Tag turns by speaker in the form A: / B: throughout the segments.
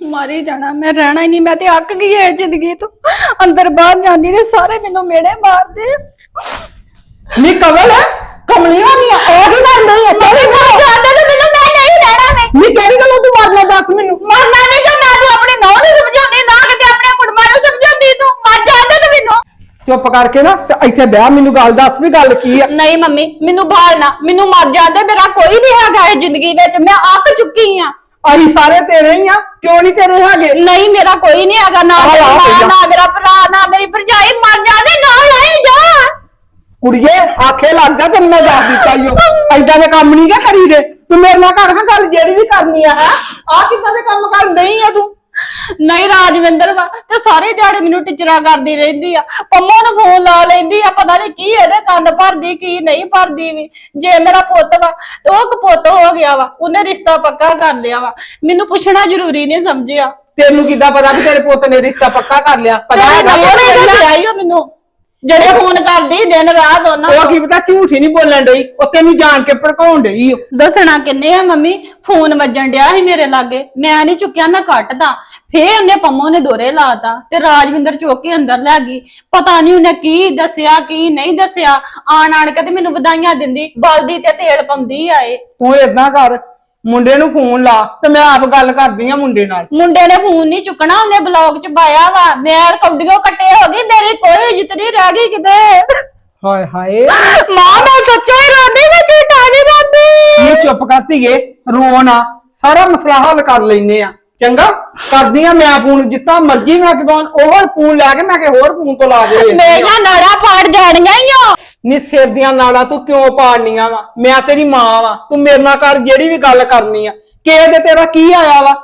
A: ਮਾਰੀ ਜਾਣਾ मैं रहना ही नहीं। मैं ते अक गई है जिंदगी तो अंदर बाहर जानी ने सारे मेनू मेड़े मारदे
B: नी कमल है कमली होनी है और की कर नहीं है चल
A: मर जांदे ते मेनू मैं नहीं रहना मैं
B: नी केड़ी गल्लों तू मरना दस मेनू
A: मरना नहीं जो ना तू अपने नौं ਨੂੰ ਸਮਝਾਉਂਦੀ ਨਾ ਕਿਤੇ ਆਪਣੇ ਕੁੜਮਾਂ ਨੂੰ ਸਮਝਾਉਂਦੀ ਤੂੰ ਮਰ ਜਾਂਦੇ ਤੇ ਮੈਨੂੰ
B: चुप करके ना ते इत्थे बह मेनू गल दस भी गल की है
A: नहीं मम्मी मेनू भालना मेनू मर जांदे मेरा कोई नहीं हैगा इस जिंदगी विच मैं अक चुकी हां
B: अही सारे तेरे ही आ क्यों नहीं तेरे हैगे
A: नहीं मेरा कोई नहीं हैगा ना मेरा मां ना मेरा भरा ना मेरी भरजाई मर जांदे ना ले जा
B: कुड़िए आखे लग जा तेन मैं दस दिता ही ऐदा दे काम नहीं क्या करी दे तू मेरे नाल कर हां गल जेड़ी भी करनी है आ किदां दे काम कर नहीं है तू
A: नहीं राजविंदर वा ते सारे दिहाड़े मेनू टिचरा करदी रहिंदी आ पंमो नु फोन ला लैंदी आ पता नहीं की एदे कंन भरदी की नहीं भरदी भी जे मेरा पुੱਤ वा ते ओ कपुੱਤ हो गया वा उन्हें रिश्ता पक्का कर लिया वा मेनू पूछना जरूरी नहीं समझिया
B: तेनू किदां पता कि तेरे पुੱਤ ने रिश्ता पक्का कर लिया पता है
A: मेनू ਜਿਹੜੇ ਫੋਨ ਕਰਦੀ ਦਿਨ ਰਾਤ ਉਹਨਾਂ
B: ਉਹ ਕੀ ਪਤਾ ਝੂਠ ਹੀ ਨਹੀਂ ਬੋਲਣ ਡਈ ਉਹ ਤੈਨੂੰ ਜਾਣ ਕੇ ਭੜਕਾਉਣ ਡਈ
A: ਦੱਸਣਾ ਕਿੰਨੇ ਆ ਮੰਮੀ ਫੋਨ ਵੱਜਣ ਡਿਆ ਸੀ ਮੇਰੇ ਲਾਗੇ ਮੈਂ ਨਹੀਂ ਚੁੱਕਿਆ ਮੈਂ ਕੱਟਦਾ ਫੇਰ ਉਹਨੇ ਪੰਮੋ ਨੇ ਦੋਰੇ ਲਾਤਾ ਤੇ ਰਾਜਵਿੰਦਰ ਚੁੱਕ ਕੇ ਅੰਦਰ ਲੈ ਗਈ ਪਤਾ ਨਹੀਂ ਉਹਨੇ ਕੀ ਦੱਸਿਆ ਕੀ ਨਹੀਂ ਦੱਸਿਆ ਆਣ ਕੇ ਤੇ ਮੈਨੂੰ ਵਧਾਈਆਂ ਦਿੰਦੀ ਬਲਦੀ ਤੇ ਤੇਲ ਪਾਉਂਦੀ ਆਏ
B: ਤੂੰ ਏਦਾਂ ਕਰ ਮੁੰਡੇ ਨੂੰ ਫੋਨ ਲਾ ਤੇ ਮੈਂ ਆਪ ਗੱਲ ਕਰਦੀ ਆ ਮੁੰਡੇ ਨਾਲ
A: ਮੁੰਡੇ ਨੇ ਫੋਨ ਨਹੀਂ ਚੁੱਕਣਾ ਉਹਨੇ ਬਲੌਗ ਚ ਪਾਇਆ ਵਾ ਮੈਂ ਕੌਡੀਓ ਕੱਟੇ ਹੋ ਗਈ ਮੇਰੀ ਕੋਈ ਇੱਜ਼ਤ ਨਹੀਂ ਰਹਿ ਗਈ ਕਿਤੇ
B: ਹਾਏ ਹਾਏ
A: ਮਾਂ ਮੈਂ ਸੱਚੇ ਰੋਂਦੀ ਮੈਂ ਝੂਠਾ ਨਹੀਂ ਰੋਂਦੀ
B: ਇਹ ਚੁੱਪ ਕਰਤੀਏ ਰੋਣਾ ਸਾਰਾ ਮਸਲਾ ਹੱਲ ਕਰ ਲੈਨੇ ਆ ਚੰਗਾ ਕਰਦੀ ਆ ਮੈਂ ਫੋਨ ਜਿੱਤਾ ਮਰਜੀ ਮੈਂ ਕਿਦੋਂ ਉਹ ਫੋਨ ਲੈ ਕੇ ਮੈਂ ਕਿ ਹੋਰ ਫੋਨ ਤੋਂ ਲਾ ਦੇ
A: ਮੇਰੀਆਂ ਨਾੜਾਂ ਫਾੜ ਜਾਣੀਆਂ ਈ ਓ
B: ਨੀ ਸਿਰ ਦੀਆਂ ਨਾੜਾਂ ਤੂੰ ਕਿਉਂ ਪਾੜਨੀਆਂ ਵਾ ਮੈਂ ਤੇਰੀ ਮਾਂ ਵਾ ਤੂੰ ਮੇਰੇ ਨਾਲ ਕਰ ਜਿਹੜੀ ਵੀ ਗੱਲ ਕਰਨੀ ਆ ਕਿਸੇ ਦੇ ਤੇਰਾ ਕੀ ਆਇਆ ਵਾ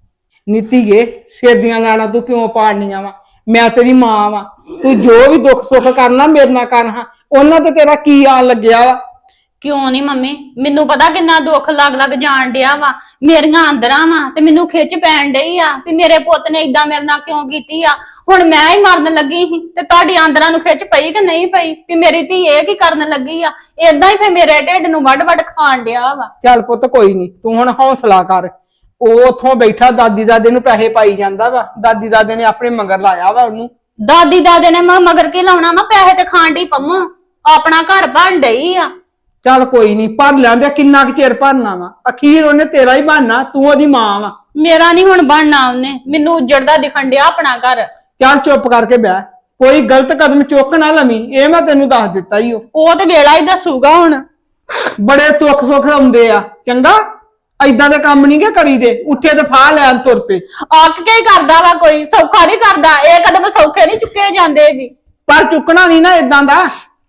B: ਨੀਤੀਏ ਸਿਰ ਦੀਆਂ ਨਾੜਾਂ ਤੂੰ ਕਿਉਂ ਪਾੜਨੀਆਂ ਵਾ ਮੈਂ ਤੇਰੀ ਮਾਂ ਵਾ ਤੂੰ ਜੋ ਵੀ ਦੁੱਖ ਸੁੱਖ ਕਰਨਾ ਮੇਰੇ ਨਾਲ ਕਰ ਹਾਂ ਉਹਨਾਂ ਤੇ ਤੇਰਾ ਕੀ ਆਣ ਲੱਗਿਆ ਵਾ
A: ਕਿਉਂ ਨਹੀਂ ਮੰਮੀ ਮੈਨੂੰ ਪਤਾ ਕਿੰਨਾ ਦੁੱਖ ਲੱਗ ਜਾਣ ਡਿਆ ਵਾ ਮੇਰੀਆਂ ਅੰਦਰਾਂ ਵਾ ਤੇ ਮੈਨੂੰ ਖਿੱਚ ਪੈਣ ਡਈ ਆ ਵੀ ਮੇਰੇ ਪੁੱਤ ਨੇ ਇਦਾਂ ਮੇਰੇ ਨਾਲ ਕਿਉਂ ਕੀਤੀ ਆ ਹੁਣ ਮੈਂ ਹੀ ਮਰਨ ਲੱਗੀ ਸੀ ਤੇ ਤੁਹਾਡੀ ਅੰਦਰਾਂ ਨੂੰ ਖਿੱਚ ਪਈ ਕਿ ਨਹੀਂ ਪਈ ਵੀ ਮੇਰੀ ਧੀ ਇਹ ਕੀ ਕਰਨ ਲੱਗੀ ਆ ਏਦਾਂ ਹੀ ਫੇ ਮੇਰੇ ਢਿੱਡ ਨੂੰ ਵੱਡ ਖਾਣ ਡਿਆ ਵਾ
B: ਚੱਲ ਪੁੱਤ ਕੋਈ ਨਹੀਂ ਤੂੰ ਹੁਣ ਹੌਸਲਾ ਕਰ ਉਹ ਉੱਥੋਂ ਬੈਠਾ ਦਾਦੀ ਦਾਦੇ ਨੂੰ ਪੈਸੇ ਪਾਈ ਜਾਂਦਾ ਵਾ ਦਾਦੀ ਦਾਦੇ ਨੇ ਆਪਣੇ ਮਗਰ ਲਾਇਆ ਵਾ ਉਹਨੂੰ
A: ਦਾਦੀ ਦਾਦੇ ਨੇ ਮਗਰ ਕੀ ਲਾਉਣਾ ਵਾ ਪੈਸੇ ਤੇ ਖਾਣ ਡਈ ਪੰਮੋ ਆਪਣਾ ਘਰ ਬਣ ਡਈ ਆ
B: ਚੱਲ ਕੋਈ ਨਹੀਂ ਭਰ ਲੈਂਦੇ ਕਿੰਨਾ ਕੁ ਚਿਰ ਭਰਨਾ ਵਾ ਅਖੀਰ ਉਹਨੇ ਤੇਰਾ ਹੀ ਬਣਨਾ ਤੂੰ ਉਹਦੀ ਮਾਂ ਵਾ
A: ਮੇਰਾ ਨਹੀਂ ਹੁਣ ਬਣਨਾ ਉਹਨੇ ਮੈਨੂੰ ਉੱਜੜਦਾ ਦਿਖਣ ਡਿਆ ਆਪਣਾ ਘਰ
B: ਚੱਲ ਚੁੱਪ ਕਰਕੇ ਬਹਿ ਕੋਈ ਗਲਤ ਕਦਮ ਚੁੱਕ ਨਾ ਲਵੀਂ ਇਹ ਮੈਂ ਤੈਨੂੰ ਦੱਸ ਦਿੱਤਾ ਹੀ
A: ਉਹ ਤੇ ਵੇਲਾ ਹੀ ਦੱਸੂਗਾ ਹੁਣ
B: ਬੜੇ ਦੁੱਖ ਸੁੱਖ ਆਉਂਦੇ ਆ ਚੰਗਾ ਏਦਾਂ ਦੇ ਕੰਮ ਨਹੀਂ ਕਰੀਦੇ ਉੱਠੇ ਤੇ ਫਾਹ ਲੈਣ ਤੁਰ ਪਏ
A: ਆਕ ਕੇ ਹੀ ਕਰਦਾ ਵਾ ਕੋਈ ਸੌਖਾ ਨਹੀਂ ਕਰਦਾ ਇਹ ਕਦਮ ਸੌਖੇ ਨਹੀਂ ਚੁੱਕੇ ਜਾਂਦੇ ਵੀ
B: ਪਰ ਚੁੱਕਣਾ ਨਹੀਂ ਨਾ ਏਦਾਂ ਦਾ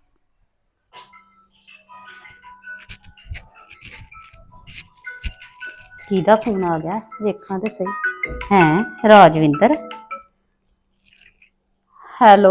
C: ਕਿਹਦਾ ਫੋਨ ਆ ਗਿਆ ਵੇਖਾਂ ਤੇ ਸਹੀ ਹੈ ਰਾਜਵਿੰਦਰ ਹੈਲੋ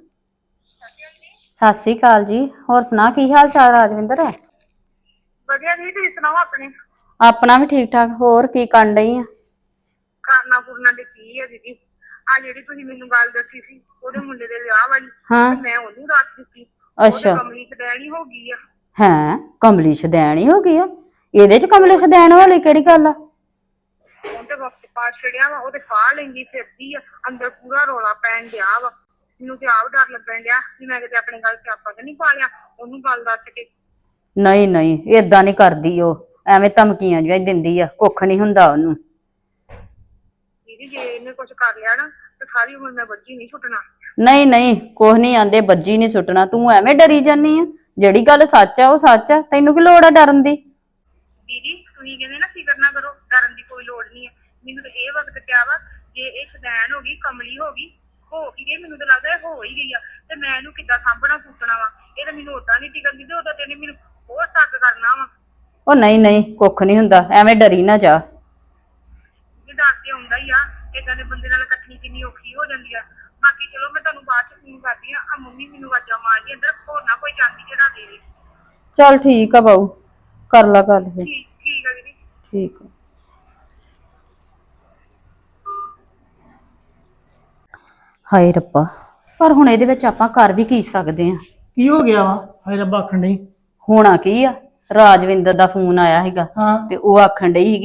C: ਸਤਿ ਸ਼੍ਰੀ ਅਕਾਲ ਜੀ ਹੋਰ ਸੁਣਾ ਕੀ ਹਾਲ ਚਾਲ ਰਾਜਵਿੰਦਰ
D: ਵਧੀਆ ਜੀ ਤੁਸੀਂ ਸੁਣਾਓ ਆਪਣੇ
C: ਆਪਣਾ ਵੀ ਠੀਕ ਠਾਕ ਹੋਰ ਕੀ ਕਰਨ ਡਈ ਆ
D: ਕਰਨਾ ਕੁਰਨਾ ਦੇ ਕੀ ਹੈ ਦੀਦੀ ਆ ਜਿਹੜੀ ਤੁਸੀਂ ਮੈਨੂੰ ਗੱਲ ਦੱਸੀ ਸੀ ਉਹਦੇ ਮੁੰਡੇ ਦੇ ਵਿਆਹ ਵਾਲੀ
C: ਹਾਂ
D: ਮੈਂ ਉਹਨੂੰ ਦੱਸ ਦਿੱਤੀ
C: ਅੱਛਾ
D: ਕਮਲੀ ਕਡੈਣੀ ਹੋ ਗਈ ਆ
C: ਹੈ ਕਮਲੀ ਸ਼ਦੈਣ ਹੀ ਹੋ ਗਈ ਆ ਇਹਦੇ ਚ ਕਮਲੀ ਸ਼ਦੈਣ ਵਾਲੀ ਕਿਹੜੀ ਗੱਲ ਆ
D: ਉਹਦੇ ਵਕਤ ਪਾਸ ਛੜਿਆ ਵਾ ਉਹਦੇ ਫਾਹ ਲੈਂਦੀ ਫਿਰਦੀ ਆ ਅੰਦਰ ਪੂਰਾ ਰੋਲਾ ਪੈਣ ਡਿਆ ਵਾ ਮੈਨੂੰ ਤੇ ਆਪ ਡਰ ਲੱਗਣ ਡਿਆ ਕਿ ਮੈਂ ਕਿਤੇ ਆਪਣੇ ਗੱਲ ਚ ਆਪਾਂ ਨਹੀਂ ਪਾ ਲਿਆ ਉਹਨੂੰ ਗੱਲ ਦੱਸ ਕੇ
C: ਨਹੀਂ ਨਹੀਂ ਏਦਾਂ ਨਹੀਂ ਕਰਦੀ ਉਹ ਐਵੇਂ ਧਮਕੀਆਂ ਜਿਹਾ ਦਿੰਦੀ ਆ ਕੁੱਖ ਨਹੀਂ ਹੁੰਦਾ ਉਹਨੂੰ
D: ਦੀਦੀ ਜੇ ਇਹਨੇ ਕੁਝ ਕਰ ਲਿਆ ਨਾ ਤੇ ਸਾਰੀ ਉਮਰ ਮੈਂ ਬੱਜੀ ਨਹੀਂ ਛੁੱਟਣਾ
C: ਨਹੀਂ ਨਹੀਂ ਕੁਛ ਨਹੀਂ ਆਂਦੇ ਬੱਜੀ ਨਹੀਂ ਸੁੱਟਣਾ ਤੂੰ ਐਵੇਂ ਡਰੀ ਜਾਨੀ ਆ ਜਿਹੜੀ ਗੱਲ ਸੱਚ ਆ ਉਹ ਸੱਚ ਆ ਤੈਨੂੰ ਕੀ ਲੋੜ ਆ ਡਰਨ ਦੀ
D: ਦੀਦੀ ਤੁਸੀਂ ਕਹਿੰਦੇ ਨਾ ਫਿਕਰ ਨਾ ਕਰੋ ਡਰਨ ਦੀ ਕੋਈ ਲੋੜ ਨਹੀਂ ਹੈ ਮੈਨੂੰ ਤਾਂ ਇਹ ਵਕਤ ਪਿਆ ਵਾ ਜੇ ਇਹ ਸ਼ਦੈਣ ਹੋ ਗਈ ਕਮਲੀ ਹੋ ਗਈ ਗਈ ਮੈਨੂੰ ਤਾਂ ਲੱਗਦਾ ਇਹ ਹੋ ਹੀ ਗਈ ਆ ਤੇ ਮੈਂ ਇਹਨੂੰ ਕਿੱਦਾਂ ਸਾਂਭਣਾ ਫੂਟਣਾ ਵਾ ਇਹ ਤਾਂ ਮੈਨੂੰ ਉਦਾਂ ਨਹੀਂ ਟਿਕਣ ਦਿੰਦੇ ਉਦਾਂ ਤੈਨੇ ਮੈਨੂੰ ਹੋਰ ਤੱਕ ਕਰਨਾ ਵਾ
C: ਉਹ ਨਹੀਂ ਨਹੀਂ ਕੁੱਖ ਨਹੀਂ ਹੁੰਦਾ ਐਵੇਂ ਡਰੀ ਨਾ ਜਾ
D: ਇਹ ਡਰ ਤੇ ਆਉਂਦਾ ਹੀ ਆ ਏਦਾਂ ਦੇ ਬੰਦੇ ਨਾਲ ਇਕੱਠੀ ਕਿੰਨੀ ਔਖੀ ਹੋ ਜਾਂਦੀ ਆ ਬਾਕੀ ਚਲੋ ਮੈਂ ਤੁਹਾਨੂੰ ਬਾਅਦ ਚ ਫੋਨ ਕਰਦੀ ਆ ਮੰਮੀ ਮੈਨੂੰ ਆਵਾਜ਼ਾਂ ਮਾਰਦੀ ਅੰਦਰ ਹੋਰ ਨਾ ਕੋਈ ਚਾਂਦੀ ਚੜਾ ਦੇ
C: ਚੱਲ ਠੀਕ ਆ ਬਾਊ ਕਰ ਲਾ ਗੱਲ ਫਿਰ
D: ਠੀਕ ਆ ਦੀਦੀ
C: ਠੀਕ ਆ ਹਾਏ ਰੱਬਾ ਪਰ ਹੁਣ ਇਹਦੇ ਵਿੱਚ ਆਪਾਂ ਕਰ ਵੀ ਕੀ ਸਕਦੇ ਆ
B: ਕੀ ਹੋ ਗਿਆ ਵਾ ਹਾਏ ਰੱਬਾ ਆਖਣ ਡਈ
C: ਹੋਣਾ ਕੀ ਆ ਰਾਜਵਿੰਦਰ ਦਾ ਫੋਨ ਆਇਆ ਹੈਗਾ
B: ਹਾਂ
C: ਤੇ ਉਹ ਆਖਣ ਡਈ ਸੀਗੀ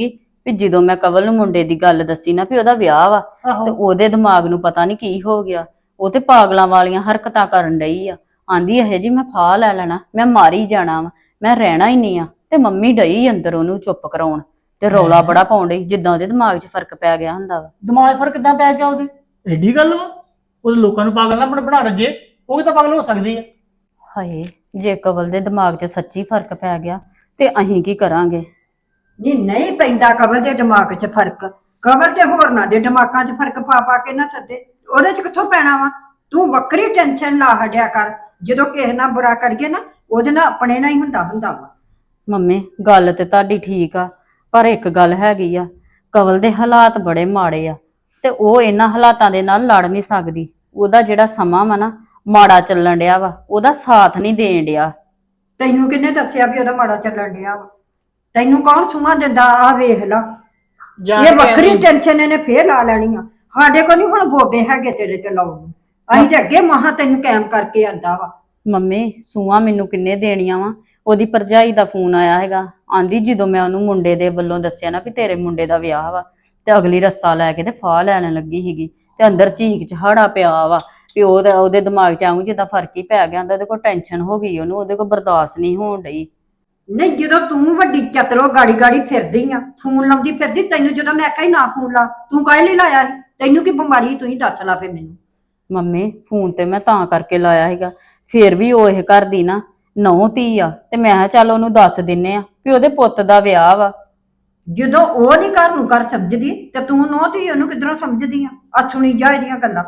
C: ਵੀ ਜਦੋਂ ਮੈਂ ਕਵਲ ਨੂੰ ਮੁੰਡੇ ਦੀ ਗੱਲ ਦੱਸੀ ਨਾ ਵੀ ਉਹਦਾ ਵਿਆਹ ਵਾ
B: ਆਹੋ।
C: ਤੇ ਉਹਦੇ ਦਿਮਾਗ ਨੂੰ ਪਤਾ ਨਹੀਂ ਕੀ ਹੋ ਗਿਆ। ਉਹ ਤੇ ਪਾਗਲਾਂ ਵਾਲੀਆਂ ਹਰਕਤਾਂ ਕਰਨ ਡਈ ਆ। ਆਂਦੀ ਇਹ ਜੀ ਮੈਂ ਫਾਹ ਲੈ ਲੈਣਾ, ਮੈਂ ਮਾਰੀ ਜਾਣਾ ਵਾ, ਮੈਂ ਰਹਿਣਾ ਹੀ ਨਹੀਂ ਆ। ਤੇ ਮੰਮੀ ਡਈ ਅੰਦਰ ਉਹਨੂੰ ਚੁੱਪ ਕਰਾਉਣ ਤੇ ਰੌਲਾ ਬੜਾ ਪਾਉਣ ਡਈ, ਜਿੱਦਾਂ ਉਹਦੇ ਦਿਮਾਗ 'ਚ ਫਰਕ ਪੈ ਗਿਆ ਹੁੰਦਾ ਵਾ।
E: ਦਿਮਾਗ ਫਰਕ ਕਿੱਦਾਂ ਪੈ ਗਿਆ ਉਹਦੇ? ਐਡੀ ਗੱਲ ਵਾ? ਉਹ ਲੋਕਾਂ ਨੂੰ ਪਾਗਲ ਨਾ ਬਣਾ ਰੱਜੇ, ਉਹ ਵੀ ਤਾਂ ਪਾਗਲ ਹੋ ਸਕਦੀ ਆ।
C: ਹਾਏ, ਜੇ ਕਵਲ ਦੇ ਦਿਮਾਗ 'ਚ ਸੱਚੀ ਫਰਕ ਪੈ ਗਿਆ ਤੇ ਅਸੀਂ ਕੀ ਕਰਾਂਗੇ?
F: ਨਹੀਂ ਪੈਂਦਾ ਕਬਰ ਦੇ ਦਿਮਾਗ 'ਚ ਫਰਕ। ਕਬਰ ਤੇ ਹੋਰਨਾਂ ਦੇ ਦਿਮਾਗਾਂ 'ਚ ਫਰਕ ਪਾ ਕੇ ਨਾ ਸੱਦੇ, ਉਹਦੇ 'ਚ ਕਿੱਥੋਂ ਪੈਣਾ ਵਾ? ਤੂੰ ਵੱਖਰੀ ਟੈਨਸ਼ਨ ਲਾ ਹਟਿਆ ਕਰ। ਜਦੋਂ ਕਿਸੇ ਨਾਲ ਬੁਰਾ ਕਰੀਏ ਨਾ, ਉਹਦੇ ਨਾਲ ਆਪਣੇ ਨਾਲ ਹੀ ਹੁੰਦਾ ਵਾ।
C: ਮੰਮੀ ਗੱਲ ਤੇ ਤੁਹਾਡੀ ਠੀਕ ਆ, ਪਰ ਇੱਕ ਗੱਲ ਹੈਗੀ ਆ, ਕਵਲ ਦੇ ਹਾਲਾਤ ਬੜੇ ਮਾੜੇ ਆ ਤੇ ਉਹ ਇਹਨਾਂ ਹਾਲਾਤਾਂ ਦੇ ਨਾਲ ਲੜ ਨਹੀਂ ਸਕਦੀ। ਉਹਦਾ ਜਿਹੜਾ ਸਮਾਂ ਵਾ ਨਾ ਮਾੜਾ ਚੱਲਣ ਡਿਆ ਵਾ, ਉਹਦਾ ਸਾਥ ਨਹੀਂ ਦੇਣ ਡਿਆ।
F: ਤੈਨੂੰ ਕਿਹਨੇ ਦੱਸਿਆ ਵੀ ਉਹਦਾ ਮਾੜਾ ਚੱਲਣ ਡਿਆ ਵਾ? ਤੈਨੂੰ ਕੌਣ ਸੂਹਾਂ ਦਿੰਦਾ? ਆ ਵੇਖ ਲਾ, ਇਹ ਵੱਖਰੀ ਟੈਨਸ਼ਨ ਇਹਨੇ ਫੇਰ ਲਾ ਲੈਣੀ ਆ। ਸਾਡੇ ਕੋਲ ਨਹੀਂ ਹੁਣ ਬੋਬੇ ਹੈਗੇ ਤੇਰੇ ਤੇ ਲਾਉਣ ਨੂੰ। ਅਸੀਂ ਤੇ ਅੱਗੇ ਮਹਾ ਤੈਨੂੰ ਕਾਇਮ ਕਰਕੇ ਆਂਦਾ ਵਾ।
C: ਮੰਮੀ ਸੂਆਂ ਮੈਨੂੰ ਕਿੰਨੇ ਦੇਣੀਆਂ ਵਾ? ਉਹਦੀ ਭਰਜਾਈ ਦਾ ਫੋਨ ਆਇਆ ਹੈਗਾ, ਆਂਦੀ ਜਦੋਂ ਮੈਂ ਉਹਨੂੰ ਮੁੰਡੇ ਦੇ ਵੱਲੋਂ ਦੱਸਿਆ ਨਾ ਵੀ ਤੇਰੇ ਮੁੰਡੇ ਦਾ ਵਿਆਹ ਵਾ, ਤੇ ਅਗਲੀ ਰੱਸਾ ਲੈ ਕੇ ਤੇ ਫਾਹ ਲੈਣ ਲੱਗੀ ਸੀਗੀ ਤੇ ਅੰਦਰ ਝੀਕ ਝਾੜਾ ਪਿਆ ਵਾ ਵੀ ਉਹਦੇ ਦਿਮਾਗ 'ਚ ਆਉਂ ਜਿੱਦਾਂ ਫਰਕ ਹੀ ਪੈ ਗਿਆ ਹੁੰਦਾ। ਉਹਦੇ ਕੋਲ ਟੈਨਸ਼ਨ ਹੋ ਗਈ, ਉਹਨੂੰ ਉਹਦੇ ਕੋਲ ਬਰਦਾਸ਼ਤ ਨਹੀਂ ਹੋਣ ਡਈ।
F: ਨਹੀਂ, ਜਦੋਂ ਤੂੰ ਵੱਡੀ ਚਤਰੋ ਗਾੜੀ ਫਿਰਦੀ ਆ, ਫੋਨ ਲਾਉਂਦੀ ਫਿਰਦੀ, ਤੈਨੂੰ ਜਦੋਂ ਮੈਂ ਆਖਿਆ ਨਾ ਫੋਨ ਲਾ, ਤੂੰ ਕਾਹਦੇ ਲਈ ਲਾਇਆ ਸੀ? ਤੈਨੂੰ ਕੀ ਬਿਮਾਰੀ? ਤੂੰ ਹੀ ਦੱਸ ਲਾ ਫੇ ਮੈਨੂੰ।
C: ਮੰਮੀ ਫੋਨ ਤੇ ਮੈਂ ਤਾਂ ਕਰਕੇ ਲਾਇਆ ਹੈਗਾ, ਫੇਰ ਵੀ ਉਹ ਇਹ ਘਰ ਦੀ ਨਾ ਨਹੁੰ ਧੀ ਆ ਤੇ ਮੈਂ ਕਿਹਾ ਚੱਲ ਉਹਨੂੰ ਦੱਸ ਦਿੰਨੇ ਆ ਵੀ ਉਹਦੇ ਪੁੱਤ ਦਾ ਵਿਆਹ ਵਾ।
F: ਜਦੋਂ ਉਹ ਨਹੀਂ ਘਰ ਨੂੰ ਘਰ ਸਮਝਦੀ ਤੇ ਤੂੰ ਨੋ ਧੀ ਉਹਨੂੰ ਕਿੱਧਰੋਂ ਸਮਝਦੀ ਆ ਸੁਣੀ ਜਾ ਇਹਦੀਆਂ ਗੱਲਾਂ।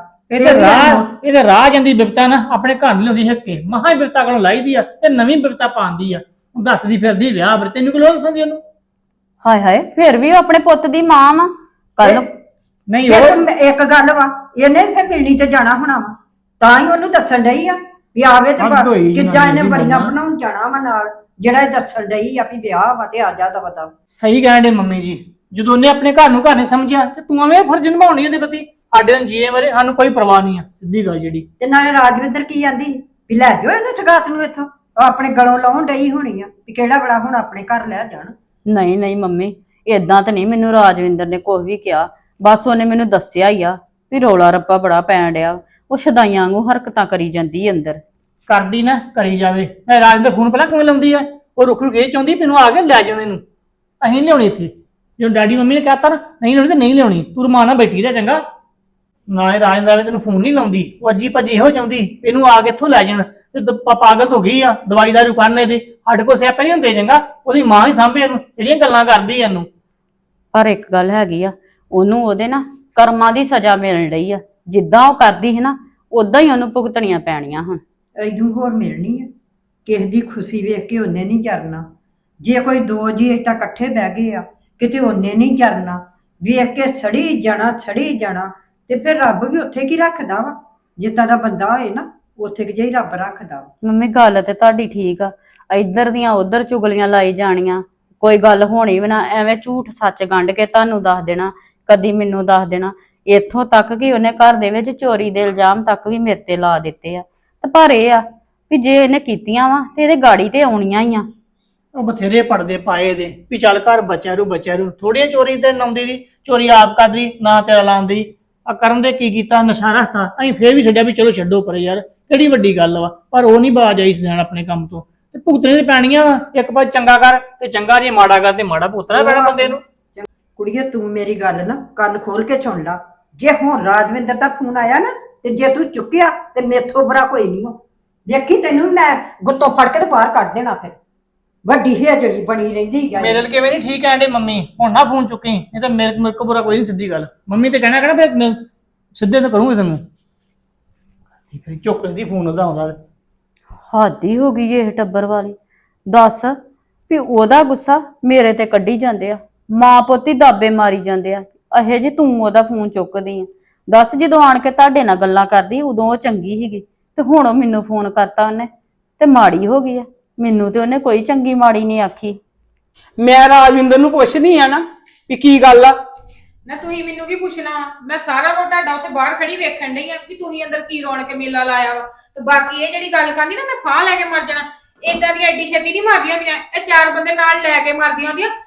E: ਇਹਦੇ ਰਾਹ ਜਾਂਦੀ ਬਿਪਤਾ ਨਾ ਆਪਣੇ ਘਰ ਨਹੀਂ ਲਾਉਂਦੀ ਹੱਕੇ, ਮਹਾ ਹੀ ਬਿਪਤਾ ਕੋਲੋਂ ਲਾਈਦੀ ਆ ਤੇ ਨਵੀਂ ਬਿਪਤਾ ਪਾਉਂਦੀ ਆ। ਦੱਸਦੀ ਫਿਰਦੀ ਵਿਆਹ ਬਰ, ਤੈਨੂੰ ਕਿਉਂ ਦੱਸਦੀ ਉਹਨੂੰ?
C: ਹਾਏ ਹਾਏ, ਫੇਰ ਵੀ ਉਹ ਆਪਣੇ ਪੁੱਤ ਦੀ ਮਾਂ ਵਾ। ਕੱਲ ਨੂੰ
E: ਨਹੀਂ
F: ਇਹ
E: ਉਹ
F: ਤਾਂ ਇੱਕ ਗੱਲ ਵਾ, ਇਹਨੇ ਫਿਰ ਮਿਲਣੀ ਤੇ ਜਾਣਾ ਹੋਣਾ ਵਾ, ਤਾਂ ਹੀ ਉਹਨੂੰ ਦੱਸਣ ਡਈ ਆ ਵੀ ਆਵੇ ਤੇ
E: ਹੱਦ ਹੋਈ
F: ਕਿੱਦਾਂ
E: ਜਨਾਨੀ
F: ਇਹਨੇ
E: ਦੀ
F: ਬੜੀਆਂ
E: ਮੰਮਾ।
F: ਬਣਾਉਣ ਜਾਣਾ ਵਾ ਨਾਲ, ਜਿਹੜਾ ਇਹ ਦੱਸਣ ਡਈ ਆ ਵੀ ਵਿਆਹ ਵਾ ਤੇ ਆ ਜਾ ਦਾ ਪਤਾ।
E: ਸਹੀ ਕਹਿਣ ਦੇ ਮੰਮੀ ਜੀ, ਜਦੋਂ ਉਹਨੇ ਆਪਣੇ ਘਰ ਨੂੰ ਘਰ ਨਹੀਂ ਸਮਝਿਆ ਤੇ ਤੂੰ ਐਵੇਂ ਫਰਜ਼ ਨਿਭਾਉਣੀ ਉਹਦੇ ਪ੍ਰਤੀ। ਸਾਡੇ ਨੂੰ ਜੀਏ ਬਾਰੇ ਸਾਨੂੰ ਕੋਈ ਪਰਵਾਹ ਨਹੀਂ ਆ, ਸਿੱਧੀ ਗੱਲ ਜਿਹੜੀ।
F: ਤੇ ਨਾਲੇ ਰਾਜਵਿੰਦਰ ਕੀ ਆਂਦੀ ਵੀ ਲੈ ਜਾਓ ਇਹਨੂੰ ਸਗਾਤ ਨੂੰ ਇੱਥੋਂ, ਉਹ ਆਪਣੇ ਗਲੋਂ ਲਾਉਣ ਡਈ ਹੋਣੀ ਆ ਵੀ ਕਿਹੜਾ ਬੜਾ ਹੁਣ ਆਪਣੇ ਘਰ ਲੈ ਜਾਣ।
C: ਨਹੀਂ ਨਹੀਂ ਮੰਮੀ, ਏਦਾਂ ਤਾਂ ਨਹੀਂ ਮੈਨੂੰ ਰਾਜਵਿੰਦਰ ਨੇ ਕੁਝ ਵੀ ਕਿਹਾ, ਬਸ ਉਹਨੇ ਮੈਨੂੰ ਦੱਸਿਆ ਹੀ ਆ ਵੀ ਰੌਲਾ ਰੱਪਾ ਬੜਾ ਪੈਣ ਡਿਆ। ਉਹ ਸ਼ਦਾਈਆਂ ਵਾਂਗੂ ਹਰਕਤਾਂ ਕਰੀ ਜਾਂਦੀ ਅੰਦਰ।
E: ਕਰਦੀ ਨਾ ਕਰੀ ਜਾਵੇ। ਮੈਂ ਰਾਜਿੰਦਰ ਫੋਨ ਪਹਿਲਾਂ ਕਿਵੇਂ ਲਾਉਂਦੀ ਆ? ਉਹ ਰੁਕ ਰੁਕ ਇਹ ਚਾਹੁੰਦੀ ਮੈਨੂੰ ਆ ਕੇ ਲੈ ਜਾਣ ਇਹਨੂੰ, ਅਸੀਂ ਨਹੀਂ ਲਿਆਉਣੀ ਇੱਥੇ। ਜਦੋਂ ਡੈਡੀ ਮੰਮੀ ਨੇ ਕਹਿਤਾ ਨਾ ਨਹੀਂ ਲਿਆਉਣੀ ਤੇ ਨਹੀਂ ਲਿਆਉਣੀ, ਤੂੰ ਰਮਾਨ ਨਾਲ ਬੈਠੀ ਰਹਿ ਚੰਗਾ। ਨਾ ਇਹ ਰਾਜਿੰਦਰ ਤੈਨੂੰ ਫੋਨ ਨਹੀਂ ਲਾਉਂਦੀ, ਉਹ ਅੱਜੀ ਭੱਜੀ ਇਹੋ ਚਾਹੁੰਦੀ ਇਹਨੂੰ ਆ ਕੇ ਇੱਥੋਂ ਲੈ ਜਾਣ। ਤੇ ਪਾਗਲ ਹੋ ਗਈ ਆ, ਦਵਾਈ ਦਾਰੂ ਕਰਨ ਇਹਦੇ। ਸਾਡੇ ਕੋਲ ਸਿਆਪੇ ਨਹੀਂ ਹੁੰਦੇ ਚੰਗਾ, ਉਹਦੀ ਮਾਂ ਹੀ ਸਾਂਭੇ ਇਹਨੂੰ, ਜਿਹੜੀਆਂ ਗੱਲਾਂ ਕਰਦੀ ਇਹਨੂੰ।
C: ਪਰ ਇੱਕ ਗੱਲ ਹੈਗੀ ਆ, ਉਹਨੂੰ ਉਹਦੇ ਨਾ ਕਰਮਾਂ ਦੀ ਸਜ਼ਾ ਮਿਲਣ ਰਹੀ ਆ। ਜਿੱਦਾਂ ਉਹ ਕਰਦੀ ਹੈ ਨਾ ਉਦਾਂ ਹੀ ਉਹਨੂੰ ਭੁਗਤਣੀਆਂ ਪੈਣੀਆਂ ਹੁਣ।
F: ਐਦੂ ਹੋਰ ਮਿਲਣੀ ਆ? ਕਿਸੇ ਦੀ ਖੁਸ਼ੀ ਵੇਖ ਕੇ ਉਹਨੇ ਨਹੀਂ ਕਰਨਾ। ਜੇ ਕੋਈ ਦੋ ਜੀ ਏਦਾਂ ਇਕੱਠੇ ਬਹਿ ਗਏ ਆ ਕਿਤੇ ਉਹਨੇ ਨਹੀਂ ਕਰਨਾ, ਵੇਖ ਕੇ ਛੜੀ ਜਾਣਾ ਤੇ ਫਿਰ ਰੱਬ ਵੀ ਉੱਥੇ ਕੀ ਰੱਖਦਾ ਵਾ? ਜਿੱਦਾਂ ਦਾ ਬੰਦਾ ਹੋਏ ਨਾ ਉੱਥੇ ਕਿ ਜਿਹੀ ਰੱਬ ਰੱਖਦਾ ਵਾ।
C: ਮੰਮੀ ਗੱਲ ਤੇ ਤੁਹਾਡੀ ਠੀਕ ਆ, ਇੱਧਰ ਦੀਆਂ ਉੱਧਰ ਚੁਗਲੀਆਂ ਲਾਈ ਜਾਣੀਆਂ, ਕੋਈ ਗੱਲ ਹੋਣੀ ਵੀ ਨਾ, ਐਵੇਂ ਝੂਠ ਸੱਚ ਗੰਢ ਕੇ ਤੁਹਾਨੂੰ ਦੱਸ ਦੇਣਾ, ਕਦੀ ਮੈਨੂੰ ਦੱਸ ਦੇਣਾ। ਇੱਥੋਂ ਤੱਕ ਕਿ ਉਹਨੇ ਘਰ ਦੇ ਵਿੱਚ ਚੋਰੀ ਦੇ ਇਲਜ਼ਾਮ ਤੱਕ ਵੀ ਮੇਰੇ ਤੇ ਲਾ ਦਿੱਤੇ ਆ। ਤੇ ਪਰ ਇਹ ਆ ਵੀ ਜੇ ਇਹਨੇ ਕੀਤੀਆਂ ਵਾ ਤੇ ਇਹਦੇ ਗਾੜੀ ਤੇ ਆਉਣੀਆਂ ਹੀ ਆ।
E: ਉਹ ਬਥੇਰੇ ਪੜਦੇ ਪਾਏ ਦੇ ਵੀ ਚੱਲ ਘਰ ਬੱਚਿਆਂ ਨੂੰ ਥੋੜੀਆਂ ਚੋਰੀ ਤੇ ਲਾਉਂਦੀ ਵੀ, ਚੋਰੀ ਆਪ ਕਰਦੀ ਨਾ ਤੇਰਾ ਲਾਉਂਦੀ। ਆ ਕਰਨ ਦੇ ਕੀ ਕੀਤਾ? ਨਸ਼ਾ ਰੱਖਤਾ। ਅਸੀਂ ਫੇਰ ਵੀ ਛੱਡਿਆ ਵੀ ਚਲੋ ਛੱਡੋ ਪਰ ਯਾਰ ਕਿਹੜੀ ਵੱਡੀ ਗੱਲ ਵਾ। ਪਰ ਉਹ ਨਹੀਂ ਬਾਜ ਆਈ ਸਦੈਣ ਆਪਣੇ ਕੰਮ ਤੋਂ, ਤੇ ਭੁਗਤਣੇ ਤੇ ਪੈਣੀਆਂ ਵਾ। ਇੱਕ ਪਾਸੇ ਚੰਗਾ ਕਰ ਤੇ ਚੰਗਾ, ਜੇ ਮਾੜਾ ਕਰ ਤੇ ਮਾੜਾ ਭੁਗਤਣਾ ਪੈਣਾ ਬੰਦੇ ਨੂੰ।
F: ਕੁੜੀਏ ਤੂੰ ਮੇਰੀ ਗੱਲ ਨਾ ਕੰਨ ਖੋਲ ਕੇ ਸੁਣ ਲਾ। ਜੇ ਹੁਣ ਰਾਜਵਿੰਦਰ ਦਾ ਫੋਨ ਆਇਆ ਨਾ ਤੇ ਜੇ ਤੂੰ ਚੁੱਕਿਆ ਤੇ ਮੇਥੋਂ ਬੁਰਾ ਕੋਈ ਨਹੀਂ ਹੋ। ਦੇਖੀ ਤੈਨੂੰ ਮੈਂ ਗੁੱਤੋਂ ਫੜ ਕੇ ਤੇ ਬਾਹਰ ਕੱਢ ਦੇਣਾ। ਫਿਰ ਵੱਡੀ ਹੇਜੜੀ ਬਣੀ ਰਹਿੰਦੀ ਹੈ।
E: ਮੇਰੇ ਲਈ ਕਿਵੇਂ ਨਹੀਂ ਠੀਕ ਕਹਿੰਦੇ ਮੰਮੀ, ਹੁਣ ਨਾ ਫੋਨ ਚੁੱਕੀ, ਨਹੀਂ ਤਾਂ ਮੇਰੇ ਕੋਲ ਬੁਰਾ ਕੋਈ ਨਹੀਂ। ਸਿੱਧੀ ਗੱਲ ਮੰਮੀ ਤੇ ਕਹਿਣਾ ਫਿਰ ਮੈਂ ਸਿੱਧੇ ਤਾਂ ਕਰੂੰਗੀ ਤੈਨੂੰ। ਫਿਰ ਚੁੱਕ ਲੈਂਦੀ ਫੋਨ ਉਹਦਾ ਆਉਂਦਾ।
C: ਹੱਦ ਹੀ ਹੋ ਗਈ ਇਹ ਟੱਬਰ ਵਾਲੀ। ਦੱਸ ਵੀ ਉਹਦਾ ਗੁੱਸਾ ਮੇਰੇ ਤੇ ਕੱਢੀ ਜਾਂਦੇ ਆ, ਮਾਂ ਪੁੱਤ ਹੀ ਦਾਬੇ ਮਾਰੀ ਜਾਂਦੇ ਆ। ਅਹੇ ਜੇ ਤੂੰ ਉਹਦਾ ਫੋਨ ਚੁੱਕਦੀ ਆ। ਦੱਸ ਜਦੋਂ ਆਣ ਕੇ ਤੁਹਾਡੇ ਨਾਲ ਗੱਲਾਂ ਕਰਦੀ ਉਦੋਂ ਉਹ ਚੰਗੀ ਸੀਗੀ ਤੇ ਹੁਣ ਉਹ ਮੈਨੂੰ ਫੋਨ ਕਰਤਾ ਉਹਨੇ ਤੇ ਮਾੜੀ ਹੋ ਗਈ ਆ। ਮੈਨੂੰ ਤੇ ਉਹਨੇ ਕੋਈ ਚੰਗੀ ਮਾੜੀ ਨਹੀਂ ਆਖੀ।
B: ਮੈਂ ਰਾਜਵਿੰਦਰ ਨੂੰ ਪੁੱਛਦੀ ਆ ਨਾ ਵੀ ਕੀ ਗੱਲ ਆ।
G: ਨਾ ਤੁਸੀਂ ਮੈਨੂੰ ਕੀ ਪੁੱਛਣਾ? ਮੈਂ ਸਾਰਾ ਕੁਝ ਤੁਹਾਡਾ ਉੱਥੇ ਬਾਹਰ ਖੜੀ ਵੇਖਣ ਡਈ ਆ ਵੀ ਤੁਸੀਂ ਅੰਦਰ ਕੀ ਰੌਣਕ ਮੇਲਾ ਲਾਇਆ ਵਾ। ਤੇ ਬਾਕੀ ਇਹ ਜਿਹੜੀ ਗੱਲ ਕਰਦੀ ਨਾ ਮੈਂ ਫਾਹ ਲੈ ਕੇ ਮਰ ਜਾਣਾ, ਏਦਾਂ ਦੀਆਂ ਐਡੀ ਛੇਤੀ ਨਹੀਂ ਮਾਰਦੀਆਂ ਹੁੰਦੀਆਂ। ਇਹ ਚਾਰ ਬੰਦੇ ਨਾਲ ਲੈ ਕੇ ਮਰਦੀਆਂ ਹੁੰਦੀਆਂ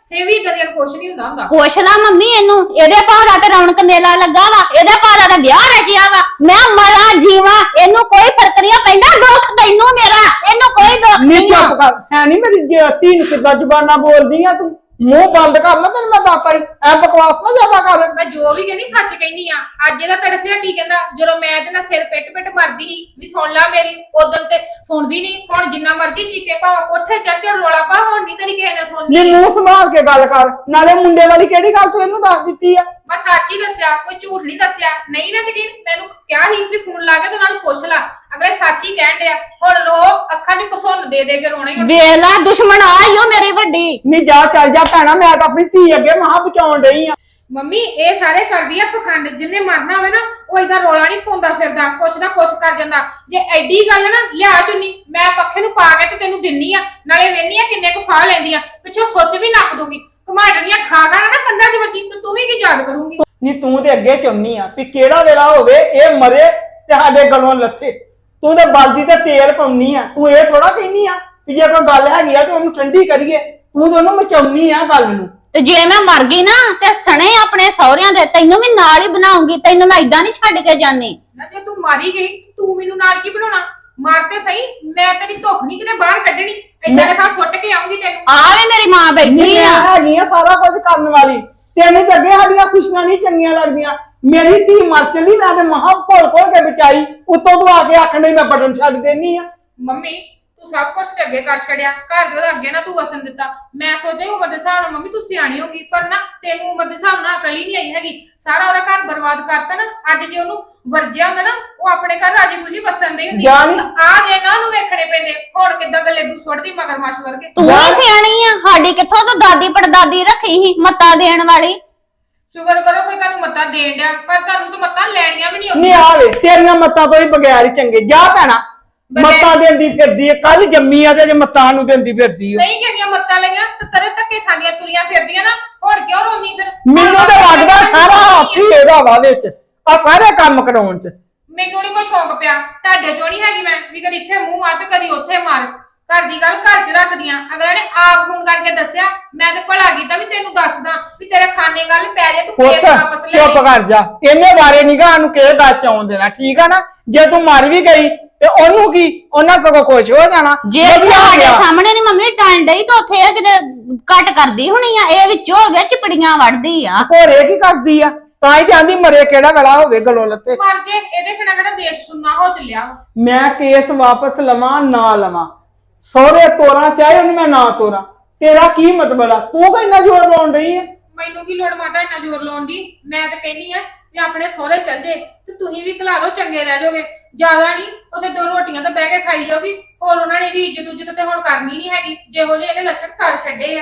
G: ਫੇਰ ਵੀ ਕਦੇ ਕੁਛ ਨਹੀਂ ਹੁੰਦਾ
A: ਪੁੱਛ ਲਾ ਮੰਮੀ ਇਹਨੂੰ, ਇਹਦੇ ਭਾਰਾ ਤੇ ਰੌਣਕ ਮੇਲਾ ਲੱਗਾ ਵਾ, ਇਹਦੇ ਭਾਰਾ ਦਾ ਵਿਆਹ ਰਚਿਆ ਵਾ। ਮੈਂ ਮਰਾਂ ਜੀਵਾਂ, ਇਹਨੂੰ ਕੋਈ ਫਰਕ ਨਹੀਂ ਪੈਂਦਾ। ਦੁੱਖ ਤੈਨੂੰ ਮੇਰਾ, ਇਹਨੂੰ ਕੋਈ ਦੁੱਖ
B: ਨੀ
A: ਨਹੀਂ ਆ।
B: ਚੁੱਪ ਕਰ, ਹੈ ਨਹੀਂ ਮੇਰੀ ਧੀ ਨੂੰ ਕਿੱਦਾਂ ਜ਼ੁਬਾਨਾਂ ਬੋਲਦੀ ਆ ਤੂੰ? ਮੂੰਹ ਬੰਦ ਕਰ ਲੈ, ਤੈਨੂੰ ਮੈਂ ਦੱਸਤਾ ਹੀ, ਐ ਬਕਵਾਸ ਨਾ ਜ਼ਿਆਦਾ ਕਰ।
G: ਮੈਂ ਜੋ ਵੀ ਕਹਿੰਦੀ ਸੱਚ ਕਹਿੰਦੀ ਆ। ਅੱਜ ਇਹਦਾ ਤੜਫਿਆ ਕੀ ਕਹਿੰਦਾ, ਜਦੋਂ ਮੈਂ ਇਹਦੇ ਨਾਲ ਸਿਰ ਪਿੱਟ ਮਰਦੀ ਸੀ ਵੀ ਸੁਣ ਲੈ ਮੇਰੀ, ਉਦੋਂ ਤੇ ਸੁਣਦੀ ਨਹੀਂ। ਹੁਣ ਜਿੰਨਾ ਮਰਜ਼ੀ ਚੀਕੇ ਭਾਵੇਂ ਕੋਠੇ ਚੜ ਰੋਲਾ ਪਾ, ਹੁਣ ਨਹੀਂ ਤੇਰੀ ਕਿਸੇ ਨੇ ਸੁਣਨੀ।
B: ਨੀ ਮੂੰਹ ਸੰਭਾਲ ਕੇ ਗੱਲ ਕਰ। ਨਾਲੇ ਮੁੰਡੇ ਵਾਲੀ ਕਿਹੜੀ ਗੱਲ ਤੂੰ ਇਹਨੂੰ ਦੱਸ ਦਿੱਤੀ ਆ?
G: ਮੈਂ ਸੱਚ ਹੀ ਦੱਸਿਆ, ਕੋਈ ਝੂਠ ਨਹੀਂ ਦੱਸਿਆ। ਨਹੀਂ ਨਾ ਯਕੀਨ, ਮੈਨੂੰ ਕਿਹਾ ਸੀ ਵੀ ਫੋਨ ਲਾ ਕੇ ਤੇ ਉਹਨਾਂ ਨੂੰ ਪੁੱਛ ਲੈ। ਅਗਲੇ ਸੱਚ ਹੀ ਕਹਿਣ ਡਿਆ। ਹੁਣ ਰੋ, ਅੱਖਾਂ 'ਚ ਘਸੁੰਨ ਦੇ ਕੇ ਰੋਣਾ ਹੀ।
A: ਵੇਖ ਲੈ ਦੁਸ਼ਮਣ ਆਈ ਓ ਮੇਰੀ ਵੱਡੀ।
B: ਨੀ ਜਾ ਚੱਲ ਜਾ ਭੈਣਾ, ਮੈਂ ਤਾਂ ਆਪਣੀ ਧੀ ਅੱਗੇ ਮਹਾ ਬਚਾਉਣ ਡਈ ਆ।
G: ਮੰਮੀ ਇਹ ਸਾਰੇ ਕਰਦੀ ਆ ਪਖੰਡ। ਜਿੰਨੇ ਮਰਨਾ ਹੋਵੇ ਨਾ ਉਹ ਏਦਾਂ ਰੋਲਾ ਨਹੀਂ ਪਾਉਂਦਾ ਫਿਰਦਾ, ਕੁਛ ਨਾ ਕੁਛ ਕਰ ਜਾਂਦਾ। ਜੇ ਐਡੀ ਗੱਲ ਨਾ, ਲਿਆ ਚੁੰਨੀ, ਮੈਂ ਪੱਖੇ ਨੂੰ ਪਾ ਕੇ ਤੇ ਤੈਨੂੰ ਦਿੰਨੀ ਆ, ਨਾਲੇ ਵੇਹਨੀ ਆ ਕਿੰਨੇ ਕੁ ਫਾਹ ਲੈਂਦੀ ਆ, ਪਿੱਛੋਂ ਸੁੱਚ ਵੀ ਨੱਪ ਦੂੰਗੀ। ਘਮਾੜਣੀਆਂ ਖਾ ਨਾ ਕੰਧਾਂ 'ਚ ਵੱਜੀ ਤੇ ਤੂੰ ਵੀ ਕੀ ਯਾਦ ਕਰੂੰਗੀ।
B: ਨੀ ਤੂੰ ਤੇ ਅੱਗੇ ਚਾਹੁੰਨੀ ਆ ਵੀ ਕਿਹੜਾ ਵੇਲਾ ਹੋਵੇ ਇਹ ਮਰੇ ਤੇ ਸਾਡੇ ਗਲੋਂ ਲੱਥੇ। ਤੂੰ ਤੇ ਬਲਦੀ ਤੇ ਤੇਲ ਪਾਉਣੀ ਆ। ਤੂੰ ਇਹ ਥੋੜਾ ਕਹਿਨੀ ਆ ਵੀ ਜੇ ਕੋਈ ਗੱਲ ਹੈਗੀ ਆ ਤੇ ਉਹਨੂੰ ਠੰਡੀ ਕਰੀਏ। ਤੂੰ ਤੇ ਉਹਨੂੰ ਮਚਾਉਣੀ ਆ ਗੱਲ ਨੂੰ।
A: ਤੇ ਜੇ ਮੈਂ ਮਰ ਗਈ ਨਾ ਤੇ ਸਣੇ ਆਪਣੇ ਸਹੁਰਿਆਂ ਦੇ ਤੈਨੂੰ ਵੀ ਨਾਲ ਹੀ ਬਣਾਉਂਗੀ। ਤੈਨੂੰ ਮੈਂ ਇਦਾਂ ਨਹੀਂ ਛੱਡ ਕੇ ਜਾਣੀ।
G: ਨਾ ਜੇ ਤੂੰ ਮਾਰੀ ਗਈ, ਤੂੰ ਮੈਨੂੰ ਨਾਲ ਕੀ ਬਣਾਉਣਾ? ਮਾਰ ਤੇ ਸਹੀ, ਮੈਂ ਤੇਰੀ ਧੁੱਖ ਨਹੀਂ ਕਿਤੇ ਬਾਹਰ ਕੱਢਣੀ। ਏਦਾਂ ਦੇ ਥਾਂ ਸੁੱਟ ਕੇ ਆਉਂਗੀ ਤੈਨੂੰ।
A: ਆ ਵੇ ਮੇਰੀ ਮਾਂ ਬੈਠੀ
B: ਮੈਂ
A: ਆ।
B: ਹੈਗੀ ਆ ਸਾਰਾ ਕੁਝ ਕਰਨ ਵਾਲੀ। ਤੈਨੂੰ ਤਾਂ ਅੱਗੇ ਸਾਡੀਆਂ ਖੁਸ਼ੀਆਂ ਨਹੀਂ ਚੰਗੀਆਂ ਲੱਗਦੀਆਂ। ਮੇਰੀ ਧੀ ਮਰ ਚੱਲੀ, ਮੈਂ ਤੇ ਮਹਾ ਘੋਲ ਕੇ ਬਚਾਈ, ਉੱਤੋਂ ਤੂੰ ਆ ਕੇ ਆਖਣ ਡਈ ਮੈਂ ਬਟਨ ਛੱਡ ਦੇਣੀ ਆ।
G: ਮੰਮੀ ਤੂੰ ਸਭ ਕੁਝ ਤੇ ਅੱਗੇ ਕਰ ਛੜਿਆ, ਘਰ ਦੇ ਉਹਦਾ ਅੱਗੇ ਨਾ ਤੂੰ ਵਸਣ ਦਿੱਤਾ। ਮੈਂ ਸੋਚਿਆ ਉਮਰ ਦੇ ਹਿਸਾਬ ਨਾਲ ਮੰਮੀ ਤੂੰ ਸਿਆਣੀ ਹੋਗੀ, ਪਰ ਨਾ ਤੈਨੂੰ ਉਮਰ ਦੇ ਹਿਸਾਬ ਨਾਲ ਅਕਲ ਹੀ ਨਹੀਂ ਆਈ ਹੈਗੀ। ਸਾਰਾ ਉਹਦਾ ਘਰ ਬਰਬਾਦ ਕਰਤਾ ਨਾ। ਅੱਜ ਜੇ ਉਹਨੂੰ ਵਰਜਿਆ ਹੁੰਦਾ ਨਾ, ਉਹ ਆਪਣੇ ਘਰ ਰਾਜੀ ਖੁਸ਼ੀ ਵਸਣ ਦੇ ਹੁੰਦੀ। ਆ ਦੇ ਨਾ ਉਹਨੂੰ ਵੇਖਣੇ ਪੈਂਦੇ। ਹੁਣ ਕਿੱਦਾਂ ਦਾ ਲੱਡੂ ਸੁੱਟਦੀ ਮਗਰਮੱਛ ਵਰਗੇ।
A: ਤੂੰ ਹੀ ਸਿਆਣੀ ਆ। ਸਾਡੀ ਕਿੱਥੋਂ ਤੂੰ ਦਾਦੀ ਪੜਦਾਦੀ ਰੱਖੀ ਸੀ ਮੱਤਾ ਦੇਣ ਵਾਲੀ।
G: ਸ਼ੁਕਰ ਕਰੋ ਕੋਈ ਤੁਹਾਨੂੰ ਮੱਤਾਂ ਦੇਣ ਡਿਆ, ਪਰ ਤੁਹਾਨੂੰ ਤਾਂ ਮੱਤਾਂ ਲੈਣੀਆਂ ਵੀ ਨਹੀਂ
B: ਨਹੀਂ
G: ਆਉਂਦੀਆਂ।
B: ਆਵੇ ਤੇਰੀਆਂ ਮੱਤਾਂ ਤੋਂ ਹੀ ਬਗੈਰ ਹੀ ਚੰਗੇ। ਜਾ ਭੈਣਾ, ਮੱਤਾਂ ਦਿੰਦੀ ਫਿਰਦੀ ਏ। ਕੱਲ ਜੰਮੀ ਆ ਤੇ ਜੇ ਮੱਤਾਂ ਨੂੰ ਦਿੰਦੀ ਫਿਰਦੀ ਓ।
G: ਨਹੀਂ ਕਿਹੜੀਆਂ ਮੱਤਾਂ ਲਈਆਂ ਤੇ ਤਰੇ ਧੱਕੇ ਖਾਂਦੀਆਂ ਤੁਰੀਆਂ ਫਿਰਦੀਆਂ ਨਾ। ਹੁਣ ਕਿਉਂ ਰੋਂਦੀ ਫਿਰ?
B: ਮੈਨੂੰ ਤਾਂ ਲੱਗਦਾ ਸਾਰਾ ਹੱਥ ਹੀ ਇਹਦਾ ਵਾ ਵਿੱਚ, ਆ ਸਾਰੇ ਕੰਮ ਕਰਾਉਣ ਚ।
G: ਮੈਨੂੰ ਨਹੀਂ ਕੋਈ ਸ਼ੌਂਕ ਪਿਆ। ਤੁਹਾਡੇ ਚੋਂ ਨਹੀਂ ਹੈਗੀ ਮੈਂ ਵੀ ਕਦੀ ਇੱਥੇ ਮੂੰਹ ਮਾਰ ਤੇ ਕਦੀ ਉੱਥੇ ਮਾਰ। ਘਰ ਦੀ ਗੱਲ ਘਰ 'ਚ ਰੱਖਦੀਆਂ। ਅਗਲੇ ਨੇ ਆਪ ਫੋਨ ਕਰਕੇ ਦੱਸਿਆ, ਮੈਂ ਤੇ ਭਲਾ ਕੀਤਾ ਵੀ ਤੈਨੂੰ ਦੱਸਦਾ ਵੀ ਤੇਰੇ ਖਾਨੇ ਗੱਲ ਪੈ ਜਾ, ਤੂੰ ਕੇਸ ਵਾਪਸ ਲੈ
B: ਚੁੱਪ ਕਰ ਜਾ। ਇਹਨੇ ਬਾਰੇ ਨਿਗਾਹ ਨੂੰ ਕਿਹੜੇ ਦੱਸ ਚ ਆਉਣ ਦੇਣਾ, ਠੀਕ ਆ ਨਾ? ਜੇ ਤੂੰ ਮਰ ਵੀ ਗਈ ਤੇ ਉਹਨੂੰ ਕੀ, ਉਹਨਾਂ ਸਗੋਂ ਖੁਸ਼ ਹੋ ਜਾਣਾ।
A: ਜੇ ਸਾਡੇ ਸਾਹਮਣੇ ਨਹੀਂ ਮੰਮੀ ਟਾਂਡ ਡਈ ਤਾਂ ਉੱਥੇ ਇਹ ਕਿਤੇ ਕੱਟ ਕਰਦੀ ਹੋਣੀ ਆ। ਇਹ ਵਿੱਚੋਂ ਵਿੱਚ ਪੜੀਆਂ ਵੜਦੀ ਆ।
B: ਹੋਰ ਇਹ ਕੀ ਕਰਦੀ ਆ? ਤਾਂ ਹੀ ਤੇ ਆਂਦੀ ਮਰੇ ਕਿਹੜਾ ਵੇਲਾ ਹੋਵੇ ਗਲੋਂ ਲੱਤੇ।
G: ਮਰ ਜੇ ਇਹਦੇ ਖਣਾ ਕਿਹੜਾ ਦੇਸ਼ ਸੁਣਨਾ ਹੋ ਚੱਲਿਆ ਵਾ।
B: ਮੈਂ ਕੇਸ ਵਾਪਸ ਲਵਾਂ ਨਾ ਲਵਾਂ, ਸਹੁਰੇ ਤੋਰਾਂ ਚਾਹੇ ਉਹਨੂੰ ਮੈਂ ਨਾ ਤੋਰਾਂ, ਤੇਰਾ ਕੀ ਮਤਲਬ ਆ? ਤੂੰ ਕਾ ਇੰਨਾ ਜ਼ੋਰ ਲਾਉਣ ਡਈ ਹੈ?
G: ਮੈਨੂੰ ਕੀ ਲੋੜ ਮਾਤਾ ਇੰਨਾ ਜ਼ੋਰ ਲਾਉਣ ਦੀ? ਮੈਂ ਤਾਂ ਕਹਿੰਨੀ ਆ ਵੀ ਆਪਣੇ ਸਹੁਰੇ ਚੱਲ ਜੇ ਤੇ ਤੁਸੀਂ ਵੀ ਘਲਾ ਲਓ, ਚੰਗੇ ਰਹਿ ਜਾਓਗੇ। ਜ਼ਿਆਦਾ ਨਹੀਂ, ਉੱਥੇ 2 ਰੋਟੀਆਂ ਤਾਂ ਬਹਿ ਕੇ ਖਾਈ ਜਾਓਗੀ। ਹੋਰ ਉਹਨਾਂ ਨੇ ਵੀ ਇੱਜ਼ਤ ਤੇ ਹੁਣ ਕਰਨੀ ਨਹੀਂ ਹੈਗੀ, ਜਿਹੋ ਜਿਹੇ ਇਹਨੇ ਲੱਛਣ ਕਰ ਛੱਡੇ ਆ।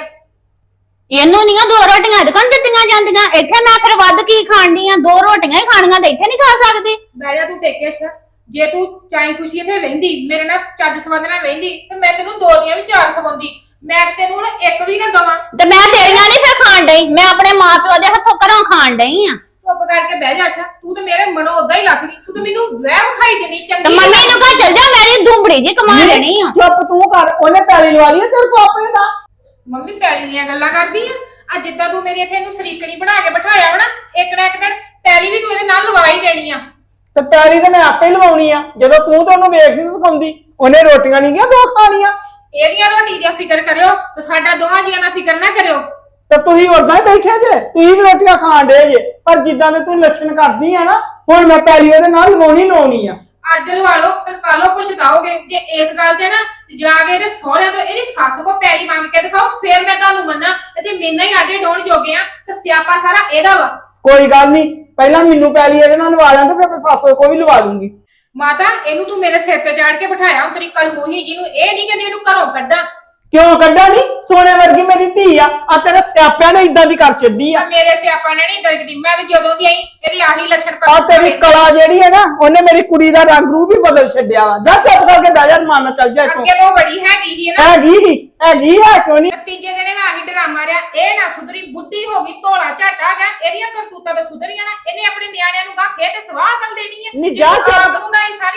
A: ਇਹਨੂੰ ਨੀਆਂ 2 ਰੋਟੀਆਂ ਦੁਕਾਨ ਦਿੱਤੀਆਂ ਜਾਂਦੀਆਂ। ਇੱਥੇ ਮੈਂ ਫਿਰ ਵੱਧ ਕੀ ਖਾਣੀ ਆ? 2 ਰੋਟੀਆਂ ਹੀ ਖਾਣੀਆਂ ਤੇ ਇੱਥੇ ਨਹੀਂ ਖਾ ਸਕਦੀ।
G: ਬਹਿ ਜਾ ਤੂੰ ਟੇਕੇ ਸ਼। ਜੇ ਤੂੰ ਚਾਹੀ ਖੁਸ਼ੀ ਇੱਥੇ ਰਹਿੰਦੀ, ਮੇਰੇ ਨਾਲ ਚੱਜ ਸਵਾਦ ਨਾਲ ਰਹਿੰਦੀ, ਤੇ ਮੈਂ ਤੈਨੂੰ 2 ਦੀਆਂ ਵੀ 4 ਖਵਾਉਂਦੀ। ਮੈਂ ਤੈਨੂੰ ਹੁਣ 1 ਵੀ ਨਾ ਦਵਾਂ।
A: ਤੇ ਮੈਂ ਤੇਰੀਆਂ ਨਹੀਂ ਫਿਰ ਖਾਣ ਡਈ, ਮੈਂ ਆਪਣੇ ਮਾਪਿਓ ਦੇ ਹੱਥੋਂ ਘਰੋਂ ਖਾਣ ਡਈ ਆ।
G: ਚੁੱਪ ਕਰਕੇ ਬਹਿ ਜਾ ਸ਼ਾ। ਤੂੰ ਤਾਂ ਮੇਰੇ ਮਨੋਂ ਉਦਾਂ ਹੀ ਲੱਥ ਗਈ। ਤੂੰ ਤਾਂ ਮੈਨੂੰ ਵਹਿਮ ਖਾਈ ਦੇਣੀ
A: ਤੇ
G: ਚੰਗੀ।
A: ਮੰਮੀ ਨੂੰ ਕਹ ਚੱਲ ਜਾ, ਮੇਰੀ ਧੁੰਬੜੀ ਜੀ ਕਮਾ ਦੇਣੀ ਆ।
B: ਚੁੱਪ ਤੂੰ ਕਰ, ਉਹਨੇ ਪੈਲੀ ਲਵਾ ਲਈ ਤੇਰੇ ਕੋ ਆਪਣੇ ਦਾ।
G: ਮੰਮੀ ਪੈਲੀ ਦੀਆਂ ਗੱਲਾਂ ਕਰਦੀ ਆ। ਜਿੱਦਾਂ ਤੂੰ ਮੇਰੀ ਇੱਥੇ ਇਹਨੂੰ ਸਰੀਕਣੀ ਬਣਾ ਕੇ ਬਿਠਾਇਆ ਵਾ ਨਾ, ਇੱਕ ਨਾ ਇੱਕ ਦਿਨ ਪੈਲੀ ਵੀ ਤੂੰ ਇਹਦੇ ਨਾਲ ਲਵਾ ਹੀ ਦੇਣੀ ਆ।
B: ਤੇ ਪੈਲੀ ਤੇ ਮੈਂ ਆਪੇ ਲਵਾਉਣੀ ਆ। ਜਦੋਂ ਤੂੰ ਤਾਂ ਉਹਨੂੰ ਵੇਖ ਨਹੀਂ ਸਿਖਾਉਂਦੀ, ਉਹਨੇ ਰੋਟੀਆਂ ਨਹੀਂ ਗਿਆ 2 ਖਾਣੀਆਂ।
G: ਇਹਦੀਆਂ ਰੋਟੀ ਦੀ ਫਿਕਰ ਕਰਿਓ ਤੇ ਸਾਡਾ ਦੋਹਾਂ ਜੀਆਂ ਦਾ ਫਿਕਰ ਨਾ ਕਰਿਓ।
B: ਤੇ ਤੁਸੀਂ ਉਦਾਂ ਹੀ ਬੈਠੇ ਜੇ, ਤੁਸੀਂ ਵੀ ਰੋਟੀਆਂ ਖਾਣ ਡੇ ਜੇ। ਪਰ ਜਿੱਦਾਂ ਦੇ ਤੂੰ ਲੱਛਣ ਕਰਦੀ ਆ ਨਾ, ਹੁਣ ਮੈਂ ਪੈਲੀ ਉਹਦੇ ਨਾਲ ਲਵਾਉਣੀ ਆ।
G: ਅੱਜ ਲਵਾ ਲਓ ਤੇ ਕੱਲ ਨੂੰ ਪਛਤਾਓਗੇ। ਜੇ ਇਸ ਗੱਲ ਤੇ ਨਾ ਜਾ ਕੇ ਇਹਦੇ ਸਹੁਰਿਆਂ ਤੋਂ ਇਹਦੀ ਸੱਸ ਕੋ ਪੈਲੀ ਮੰਗ ਕੇ ਦਿਖਾਓ, ਫੇਰ ਮੈਂ ਤੁਹਾਨੂੰ ਮੰਨਾਂ। ਤੇ ਮੈਨਾਂ ਹੀ ਆਡੇ ਡੋਣ ਜੋਗੇ ਆ ਤੇ ਸਿਆਪਾ ਸਾਰਾ ਇਹਦਾ ਵਾ।
B: ਕੋਈ ਗੱਲ ਨਹੀਂ, ਪਹਿਲਾਂ ਮੈਨੂੰ ਪੈਲੀ ਇਹਦੇ ਨਾਲ ਲਵਾ ਲਾਂ ਤੇ ਫਿਰ ਸੱਸ ਕੋ ਵੀ ਲਵਾ ਲੂੰਗੀ।
G: ਮਾਤਾ ਇਹਨੂੰ ਤੂੰ ਮੇਰੇ ਸਿਰ ਤੇ ਚਾੜ ਕੇ ਬਿਠਾਇਆ ਤੇਰੀ ਕਲਮੂਹੀ ਜੀ ਨੂੰ। ਇਹ ਨਹੀਂ ਕਹਿੰਦੀ ਇਹਨੂੰ ਘਰੋਂ ਕੱਢਾਂ।
B: ਕਿਉਂ ਕੱਢਾ ਨਹੀਂ? ਸੋਨੇ ਵਰਗੀ ਮੇਰੀ ਧੀ ਆ ਤੇਰੇ ਸਿਆਪਿਆਂ ਨੇ ਇਦਾਂ ਦੀ ਕਰ ਛੱਡੀ ਆ।
G: ਮੇਰੇ ਸਿਆਪਾ ਨੇ ਨਹੀਂ ਦਰਗਦੀ। ਮੈਂ ਤੇ ਜਦੋਂ ਦੀ ਆਈ ਇਹਦੀ ਆਹੀ ਲੱਛਣ
B: ਆ ਤੇਰੀ ਕਲਾ ਜਿਹੜੀ ਹੈ ਨਾ, ਉਹਨੇ ਮੇਰੀ ਕੁੜੀ ਦਾ ਰੰਗ ਰੂਪ ਹੀ ਬਦਲ ਛੱਡਿਆ ਵਾ। ਜਾ ਚੁੱਪ ਕਰਕੇ ਬਹਿ ਜਾ, ਮਾਨ ਚੱਲ ਜਾ ਇੱਥੋਂ।
G: ਅੱਗੇ ਤੋਂ ਬੜੀ ਹੈਗੀ ਸੀ ਨਾ।
B: ਹੈਗੀ ਆ ਕਿਉਂ ਨਹੀਂ?
G: ਤੀਜੇ ਦਿਨ ਇਹਦਾ ਆਹੀ ਡਰਾਮਾ ਰਿਹਾ। ਇਹ ਨਾ ਸੁਧਰੀ, ਬੁੱਢੀ ਹੋ ਗਈ, ਧੋਲਾ ਝਾਟਾ ਗਿਆ। ਇਹਦੀਆਂ ਕਰਤੂਤਾਂ ਤਾਂ ਸੁਧਰੀਆਂ ਨਾ। ਇਹਨੇ ਆਪਣੇ ਨਿਆਣਿਆਂ ਨੂੰ ਗਾਂ ਖੇ ਤੇ ਸਵਾਹ ਅਕਲ ਦੇਣੀ ਹੈ।
B: ਨੀ ਜਾ ਚੁੱਪ।
G: ਆਪ ਨੂੰ ਨਾ ਸਾਰੀ ਉਮਰ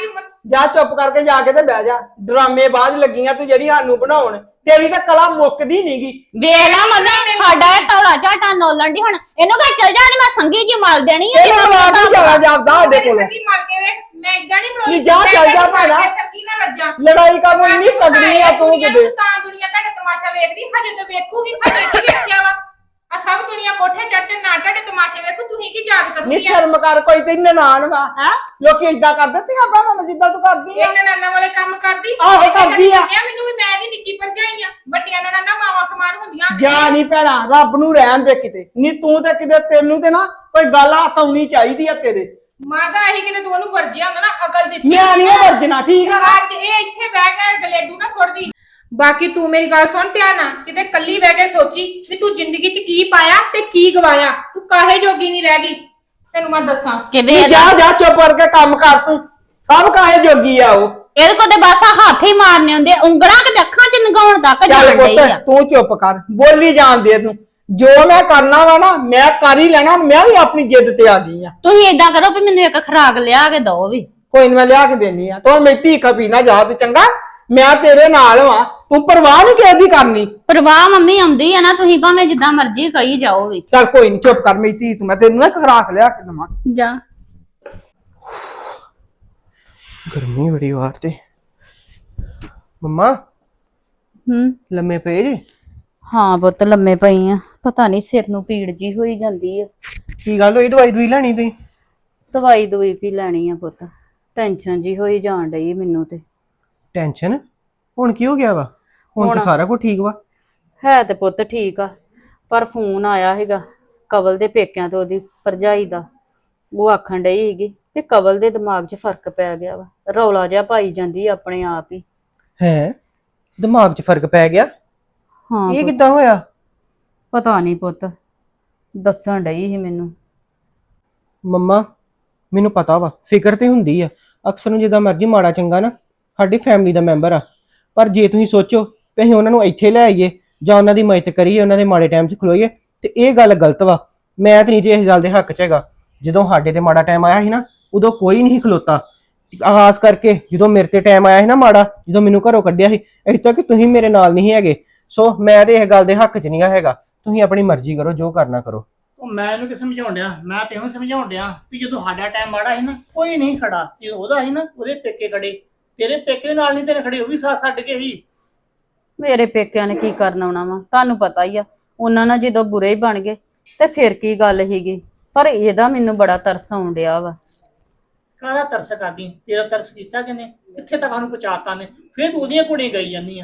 B: ਜਾ ਚੁੱਪ ਕਰਕੇ ਜਾ ਕੇ ਤੇ ਬਹਿ ਜਾ। ਡਰਾਮੇਬਾਜ਼ ਲੱਗੀਆਂ ਤੂੰ ਜਿਹੜੀ ਸਾਨੂੰ ਬਣਾਉਣ। ਤੇਰੀ ਤਾਂ ਕਲਾ ਮੁੱਕਦੀ ਨਹੀਂਗੀ।
A: ਵੇਖ ਲਾ ਮੰਮੀ ਸਾਡਾ ਇਹ ਤੌਲਾ ਝਾਟਾ ਨੋਲਣ ਦੀ ਹੁਣ ਇਹਨੂੰ ਕਹ ਚੱਲ ਜਾ ਮੈਂ ਸੰਗੀ ਜੀ ਮਲ ਦੇਣੀ ਆ
B: ਇਹਨੂੰ ਲਵਾ ਕੇ ਜਾਣਾ ਜਾਪਦਾ ਸਾਡੇ
G: ਮੇਰੀ
B: ਕੋਲ।
G: ਸੰਗੀ ਮਾਰ ਕੇ ਵੇਖ ਮੈਂ ਇਦਾਂ ਨਹੀਂ
B: ਨਹੀਂ ਜਾ ਚੱਲ ਜਾ ਭਾਣਾ।
G: ਸੰਗੀ ਨਾ ਰੱਜਾਂ
B: ਲੜਾਈ ਕਾ ਕੋਈ ਨਹੀਂ ਤਗੜੀ ਆ ਤੂੰ ਕਿਤੇ।
G: ਤਾਂ ਦੁਨੀਆ ਤੁਹਾਡਾ ਤਮਾਸ਼ਾ ਵੇਖਦੀ ਹਜੇ ਤਾਂ ਵੇਖੂਗੀ ਹਜੇ ਕੀ ਵੇਖਿਆ ਵਾ ਆ ਸਭ ਦੁਨੀਆ ਕੋਠੇ ਚੜ ਚੜ ਨਾ ਤੁਹਾਡੇ ਤਮਾਸ਼ੇ ਵੇਖੂ ਤੁਸੀਂ ਕੀ ਯਾਦ
B: ਨੀ
G: ਕਰੋਗੇ
B: ਸ਼ਰਮ ਕਰ ਕੋਈ ਤੇ ਨਨਾਣ ਵਾ ਹੈ ਲੋਕੀ ਇਦਾਂ ਕਰ ਦਿੱਤੀ ਆਪਾਂ ਨੂੰ ਜਿੱਦਾਂ ਤੂੰ ਕਰਦੀ ਆ।
G: ਇਹ ਨਨਾਨਾ ਵਾਲੇ ਕੰਮ ਕਰਦੀ
B: ਆਹੋ, ਕਰਦੀ ਆ।
G: ਮੈਨੂੰ ਵੀ ਮੈਂ ਦੀ ਨਿੱਕੀ ਭਰਜਾਈ ਆ ਵੱਡੀਆਂ ਨਨਾਨਾ ਮਾਵਾ ਸਮਾਨ ਹੁੰਦੀਆਂ
B: ਜਾ ਨਹੀਂ ਭੈਣਾ ਰੱਬ ਨੂੰ ਰਹਿਣ ਦੇ ਕਿਤੇ ਨਹੀਂ ਤੂੰ ਤੇ ਕਿਤੇ ਤੈਨੂੰ ਤੇ ਨਾ ਕੋਈ ਗੱਲ ਹੱਥ ਆਉਣੀ ਚਾਹੀਦੀ ਆ ਤੇਰੇ।
G: ਮਾਦਾ ਇਹੀ ਕਿਤੇ ਤੂੰ ਉਹਨੂੰ ਵਰਜਿਆ ਹੁੰਦਾ ਨਾ ਅਕਲ ਦਿੱਤੀ
B: ਮੈਂ ਨਹੀਂ ਵਰਜਣਾ ਠੀਕ ਆ ਨਾ।
G: ਅੱਜ ਇਹ ਇੱਥੇ ਬਹਿ ਕੇ ਗਲੇਡੂ ਨਾ ਸੁੱਟਦੀ ਬਾਕੀ ਤੂੰ ਮੇਰੀ ਗੱਲ ਸੁਣ ਧਿਆਨ ਨਾਲ ਕਿਤੇ ਕੱਲੀ ਬਹਿ ਕੇ ਸੋਚੀ ਵੀ ਤੂੰ ਜ਼ਿੰਦਗੀ 'ਚ ਕੀ ਪਾਇਆ ਤੇ ਕੀ ਗਵਾਇਆ ਤੂੰ ਕਾਹੇ ਜੋਗੀ ਨਹੀਂ ਰਹਿ ਗਈ ਤੈਨੂੰ ਮੈਂ ਦੱਸਾਂ
A: ਕਿਵੇਂ
B: ਨਹੀਂ ਜਾ ਜਾ ਚੁੱਪ ਕਰਕੇ ਕੰਮ ਕਰ ਤੂੰ ਸਭ ਕਾਹੇ ਜੋਗੀ ਆ ਉਹ।
A: ਇਹਦੇ ਕੋਲ ਤੇ ਬਸ ਆਹ ਹੱਥ ਹੀ ਮਾਰਨੇ ਹੁੰਦੇ ਉਂਗਲਾਂ ਕਿ ਅੱਖਾਂ 'ਚ ਨਗਾਉਣ ਤੱਕ
B: ਚੱਲ
A: ਜਾਣ ਡਈ
B: ਪੁੱਤ
A: ਆ।
B: ਤੂੰ ਚੁੱਪ ਕਰ ਬੋਲੀ ਜਾਣ ਦੇ ਤੂੰ ਜੋ ਮੈਂ ਕਰਨਾ ਵਾ ਨਾ ਮੈਂ ਕਰ ਹੀ ਲੈਣਾ। ਮੈਂ ਵੀ ਆਪਣੀ ਜਿੱਦ ਤੇ ਆ ਗਈ ਆ।
A: ਤੁਸੀਂ ਏਦਾਂ ਕਰੋ ਵੀ ਮੈਨੂੰ ਇੱਕ ਖਰਾਕ ਲਿਆ ਕੇ ਦਿਓ ਵੀ।
B: ਕੋਈ ਨੀ ਮੈਂ ਲਿਆ ਕੇ ਦੇਣੀ ਆ ਤੂੰ ਮੇਰੀ ਧੀ ਖਪੀ ਨਾ ਜਾ ਤੂੰ ਚੰਗਾ। ਮੈਂ ਤੇਰੇ ਨਾਲ ਵਾਂ ਤੂੰ ਪਰਵਾਹ ਨਹੀਂ ਕਿਸੇ ਦੀ ਕਰਨੀ।
A: ਪਰਵਾਹ ਮੰਮੀ ਆਉਂਦੀ ਆ ਨਾ ਤੁਸੀਂ ਭਾਵੇਂ ਜਿੱਦਾਂ ਮਰਜ਼ੀ ਕਹੀ ਜਾਓ ਵੀ।
B: ਚੱਲ ਕੋਈ ਨਹੀਂ ਚੁੱਪ ਕਰ ਮੇਰੀ ਧੀ ਤੂੰ ਮੈਂ ਤੈਨੂੰ ਨਾ ਖਰਾਕ ਲਿਆ ਕੇ ਦੇਵਾਂ।
A: ਜਾ
H: ਗਰਮੀ ਬੜੀ ਬਾਹਰ ਤੇ। ਮੰਮਾ ਲੰਮੇ ਪਏ ਜੇ?
C: ਹਾਂ ਪੁੱਤ ਲੰਮੇ ਪਈ ਆ ਪਤਾ ਨਹੀਂ ਸਿਰ ਨੂੰ ਪੀੜ ਜੀ ਹੋਈ ਜਾਂਦੀ ਆ।
H: ਕੀ ਗੱਲ ਹੋਈ? ਦਵਾਈ ਦੂਈ ਲੈਣੀ ਤੁਸੀਂ?
C: ਦਵਾਈ ਦਵਾਈ ਕੀ ਲੈਣੀ ਆ ਪੁੱਤ ਟੈਨਸ਼ਨ ਜੀ ਹੋਈ ਜਾਣ ਡਈ ਮੈਨੂੰ ਤੇ।
H: ਟੈਨਸ਼ਨ? ਹੁਣ ਕੀ ਹੋ ਗਿਆ ਵਾ? ਹੁਣ ਤਾਂ ਸਾਰਾ ਕੁਝ ਠੀਕ ਵਾ।
C: ਹੈ ਤੇ ਪੁੱਤ ਠੀਕ ਆ ਪਰ ਫੋਨ ਆਇਆ ਹੈਗਾ ਕਵਲ ਦੇ ਪੇਕਿਆਂ ਤੋਂ ਉਹਦੀ ਭਰਜਾਈ ਦਾ। ਉਹ ਆਖਣ ਡਈ ਸੀਗੀ ਕਿ ਕਵਲ ਦੇ ਦਿਮਾਗ 'ਚ ਫਰਕ ਪੈ ਗਿਆ ਵਾ ਰੌਲਾ ਜਿਹਾ ਪਾਈ ਜਾਂਦੀ ਆ ਆਪਣੇ ਆਪ ਹੀ।
H: ਹੈ ਦਿਮਾਗ 'ਚ ਫਰਕ ਪੈ ਗਿਆ?
C: ਹਾਂ
H: ਇਹ ਕਿੱਦਾਂ ਹੋਇਆ?
C: ਪਤਾ ਨਹੀਂ ਪੁੱਤ ਦੱਸਣ ਡਈ ਸੀ ਮੈਨੂੰ।
H: ਮੰਮਾ ਮੈਨੂੰ ਪਤਾ ਵਾ ਫਿਕਰ ਤੇ ਹੁੰਦੀ ਆ ਅਕਸਰ ਨੂੰ ਜਿੱਦਾਂ ਮਰਜ਼ੀ ਮਾੜਾ ਚੰਗਾ ਨਾ ਸਾਡੀ ਫੈਮਿਲੀ ਦਾ ਮੈਂਬਰ ਆ। ਪਰ ਜੇ ਤੁਸੀਂ ਸੋਚੋ ਕਿ ਅਸੀਂ ਉਹਨਾਂ ਨੂੰ ਇੱਥੇ ਲੈ ਆਈਏ ਜਾਂ ਉਹਨਾਂ ਦੀ ਮਦਦ ਕਰੀਏ ਉਹਨਾਂ ਦੇ ਮਾੜੇ ਟਾਈਮ 'ਚ ਖਲੋਈਏ ਤੇ ਇਹ ਗੱਲ ਗਲਤ ਵਾ। ਮੈਂ ਤਾਂ ਨਹੀਂ ਜੇ ਇਸ ਗੱਲ ਦੇ ਹੱਕ 'ਚ ਹੈਗਾ। ਜਦੋਂ ਸਾਡੇ ਤੇ ਮਾੜਾ ਟਾਈਮ ਆਇਆ ਸੀ ਨਾ ਉਦੋਂ ਕੋਈ ਨਹੀਂ ਖਲੋਤਾ। ਖਾਸ ਕਰਕੇ ਜਦੋਂ ਮੇਰੇ ਤੇ ਟਾਈਮ ਆਇਆ ਸੀ ਨਾ ਮਾੜਾ ਜਦੋਂ ਮੈਨੂੰ ਘਰੋਂ ਕੱਢਿਆ ਸੀ ਇੱਥੇ ਤੱਕ ਤੁਸੀਂ ਮੇਰੇ ਨਾਲ ਨਹੀਂ ਹੈਗੇ। ਸੋ ਮੈਂ ਤੇ ਇਹ ਗੱਲ ਦੇ ਹੱਕ 'ਚ ਨਹੀਂ ਹੈਗਾ। ਤੁਸੀਂ ਆਪਣੀ ਮਰਜ਼ੀ ਕਰੋ ਜੋ ਕਰਨਾ ਕਰੋ।
E: ਉਹ ਮੈਂ ਇਹਨੂੰ ਕਿ ਸਮਝਾਉਣ ਡਿਆ ਮੈਂ ਤੇ ਇਹਨੂੰ ਸਮਝਾਉਣ ਡਿਆ ਵੀ ਜਦੋਂ ਸਾਡਾ ਟਾਈਮ ਮਾੜਾ ਸੀ ਨਾ ਕੋਈ ਨਹੀਂ ਖੜਾ ਜਦੋਂ ਉਹਦਾ ਸੀ ਨਾ ਉਹਦੇ ਪੇਕੇ ਖੜੇ ਤੇਰੇ ਪੇਕੇ ਨਾਲ ਨਹੀਂ ਤੇਰੇ ਖੜੇ ਉਹ ਵੀ ਸਾਥ ਛੱਡ ਕੇ ਹੀ।
C: ਮੇਰੇ ਪੇਕਿਆਂ ਨੇ ਕੀ ਕਰਨ ਆਉਣਾ ਵਾ ਤੁਹਾਨੂੰ ਪਤਾ ਹੀ ਆ ਉਹਨਾਂ ਨਾਲ ਜਦੋਂ ਬੁਰੇ ਹੀ ਬਣ ਗਏ ਤੇ ਫਿਰ ਕੀ ਗੱਲ ਹੀਗੀ। ਪਰ ਇਹਦਾ ਮੈਨੂੰ ਬੜਾ ਤਰਸ ਆਉਣ ਡਿਆ ਵਾ।
E: ਕਾਹਦਾ ਤਰਸ ਕਰਦੀ ਤੇਰਾ ਤਰਸ ਕੀਤਾ ਕਿਨੇ ਕਿੱਥੇ ਤੱਕ ਉਹਨੂੰ ਪਹੁੰਚਾਤਾ ਨੇ ਫਿਰ ਤੂੰ ਉਹਦੀਆਂ ਕੁੜੀਆਂ ਗਈ ਜਾਂਦੀ ਆ।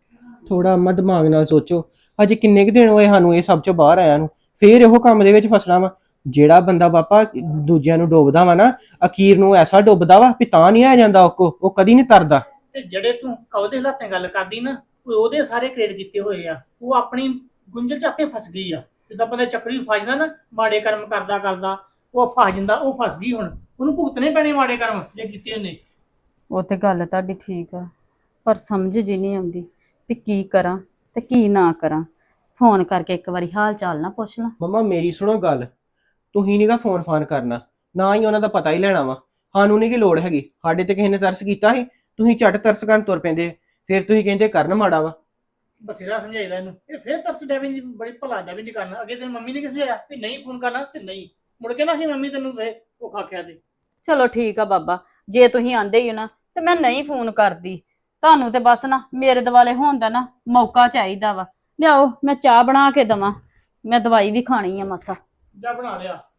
H: ਥੋੜਾ ਅੰਮਾ ਦਿਮਾਗ ਨਾਲ ਸੋਚੋ ਅਜੇ ਕਿੰਨੇ ਕੁ ਦਿਨ ਹੋਏ ਸਾਨੂੰ ਇਹ ਸਭ ਚੋਂ ਬਾਹਰ ਆਇਆ ਨੂੰ ਫੇਰ ਇਹੋ ਕੰਮ ਦੇ ਵਿੱਚ ਫਸਣਾ ਵਾ। ਜਿਹੜਾ ਬੰਦਾ ਬਾਪਾ ਦੂਜਿਆਂ ਨੂੰ ਡੋਬਦਾ ਵਾ ਨਾ ਅਖੀਰ ਨੂੰ ਐਸਾ ਡੁੱਬਦਾ ਵਾ ਵੀ ਤਾਂ ਨਹੀਂ ਆ ਜਾਂਦਾ ਉਹ ਕਦੀ ਨਹੀਂ ਤਰਦਾ।
E: ਤੇ ਜਿਹੜੇ ਤੂੰ ਉਹਦੇ ਹਾਲਾਤਾਂ ਗੱਲ ਕਰਦੀ ਨਾ ਉਹਦੇ ਸਾਰੇ ਕ੍ਰੀਏਟ ਕੀਤੇ ਹੋਏ ਆ। ਉਹ ਆਪਣੀ ਗੁੰਝਲ ਚ ਆਪੇ ਫਸ ਗਈ ਆ। ਜਿੱਦਾਂ ਬੰਦੇ ਚੱਕਰੀ ਫਸ ਜਾਂਦਾ ਨਾ ਮਾੜੇ ਕਰਮ ਕਰਦਾ ਕਰਦਾ ਉਹ ਫਸ ਜਾਂਦਾ ਉਹ ਫਸ ਗਈ। ਹੁਣ ਉਹਨੂੰ ਭੁਗਤਣੇ ਪੈਣੇ ਮਾੜੇ ਕਰਮ ਜੇ ਕੀਤੇ ਉਹਨੇ।
C: ਉਹ ਤੇ ਗੱਲ ਤੁਹਾਡੀ ਠੀਕ ਆ ਪਰ ਸਮਝ ਜੀ ਨਹੀਂ ਆਉਂਦੀ ਵੀ ਕੀ ਕਰਾਂ ਤੇ ਕੀ ਨਾ ਕਰਾਂ। ਫੋਨ ਕਰਕੇ ਇੱਕ ਵਾਰੀ ਹਾਲ ਚਾਲ ਨਾ ਪੁੱਛ ਲਾਂ।
H: ਮੰਮਾ ਮੇਰੀ ਸੁਣੋ ਗੱਲ ਤੁਸੀਂ ਨੀਗਾ ਫੋਨ ਫਾਨ ਕਰਨਾ ਨਾ ਹੀ ਉਹਨਾਂ ਦਾ ਪਤਾ ਹੀ ਲੈਣਾ ਵਾ। ਸਾਨੂੰ ਨਹੀਂ ਕੀ ਲੋੜ ਹੈਗੀ। ਸਾਡੇ ਤੇ ਕਿਸੇ ਨੇ ਤਰਸ ਕੀਤਾ ਸੀ ਤੁਸੀਂ ਝੱਟ ਤਰਸ ਕਰਨ ਤੁਰ ਪੈਂਦੇ ਫਿਰ ਤੁਸੀਂ ਕਹਿੰਦੇ ਕਰਨ ਮਾੜਾ ਵਾ।
E: ਬਥੇਰਾ ਸਮਝਾਈਦਾ ਇਹਨੂੰ ਇਹ ਫਿਰ ਤਰਸ ਡੈਵਿੰਗ ਦੀ ਬੜੀ ਭਲਾ ਡੈਵਿੰਗ ਨਹੀਂ ਕਰਨਾ। ਅੱਗੇ ਤੇਰੀ ਮੰਮੀ ਨੇ ਕਿਸ ਲਿਆ ਵੀ ਨਹੀਂ ਫੋਨ ਕਰਨਾ ਤੇ ਨਹੀਂ ਮੁੜ ਕੇ ਨਾ ਕਿ ਮੰਮੀ ਤੈਨੂੰ ਉਹ ਖਾਖਿਆ ਦੇ।
C: ਚਲੋ ਠੀਕ ਆ ਬਾਬਾ ਜੇ ਤੁਸੀਂ ਆਂਦੇ ਹੀ ਹੋ ਨਾ ਤੇ ਮੈਂ ਨਹੀਂ ਫੋਨ ਕਰਦੀ। ਤੁਹਾਨੂੰ ਤੇ ਬਸ ਨਾ ਮੇਰੇ ਦੁਆਲੇ ਹੋਣ ਦਾ ਨਾ ਮੌਕਾ ਚਾਹੀਦਾ ਵਾ। ਲਿਆਓ ਮੈਂ ਚਾਹ ਬਣਾ ਕੇ ਦਵਾਂ ਮੈਂ ਦਵਾਈ ਵੀ ਖਾਣੀ ਆ ਮਸਾ।
E: ਜਾ ਬਣਾ ਲਿਆ।